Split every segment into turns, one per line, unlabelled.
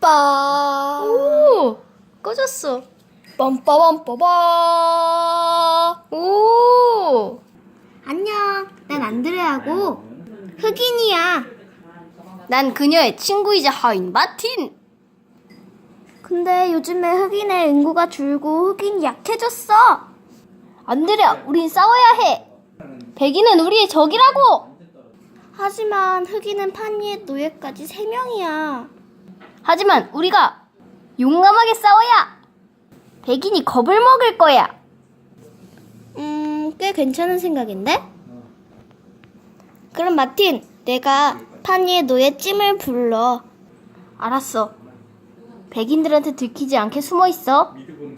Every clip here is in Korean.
빰빠.
오, 꺼졌어.
빰빠빰빠빠.
오,
안녕. 난 안드레하고 흑인이야.
난 그녀의 친구이자 하인 마틴.
근데 요즘에 흑인의 인구가 줄고 흑인이 약해졌어.
안드레아, 우린 싸워야 해. 백인은 우리의 적이라고.
하지만 흑인은 판이의 노예까지 3명이야.
하지만 우리가 용감하게 싸워야 백인이 겁을 먹을 거야.
꽤 괜찮은 생각인데? 그럼 마틴, 내가 판이의 노예 찜을 불러.
알았어. 백인들한테 들키지 않게 숨어 있어.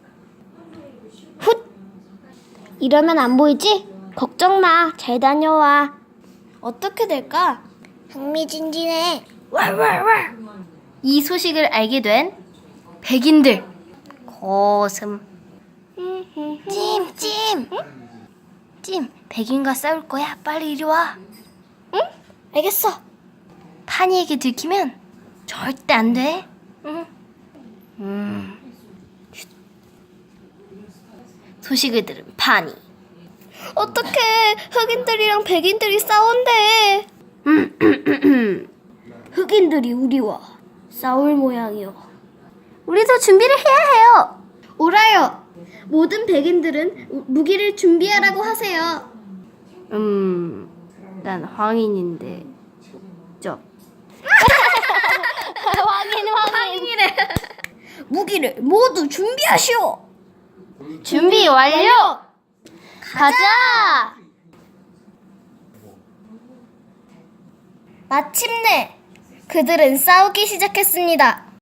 훗! 이러면 안 보이지? 걱정 마. 잘 다녀와. 어떻게 될까? 흥미진진해.
이 소식을 알게 된 백인들 고슴. 찜. 찜, 백인과 싸울 거야. 빨리 이리 와.
응? 알겠어.
파니에게 들키면 절대 안 돼. 소식을 들은 파니.
어떡해. 흑인들이랑 백인들이 싸운대. 흑인들이 우리와 싸울 모양이요.
우리도 준비를 해야 해요.
오라요. 모든 백인들은 무기를 준비하라고 하세요.
난 황인인데. 황인이래.
무기를 모두 준비하시오.
준비 완료. 가자.
마침내 그들은 싸우기 시작했습니다.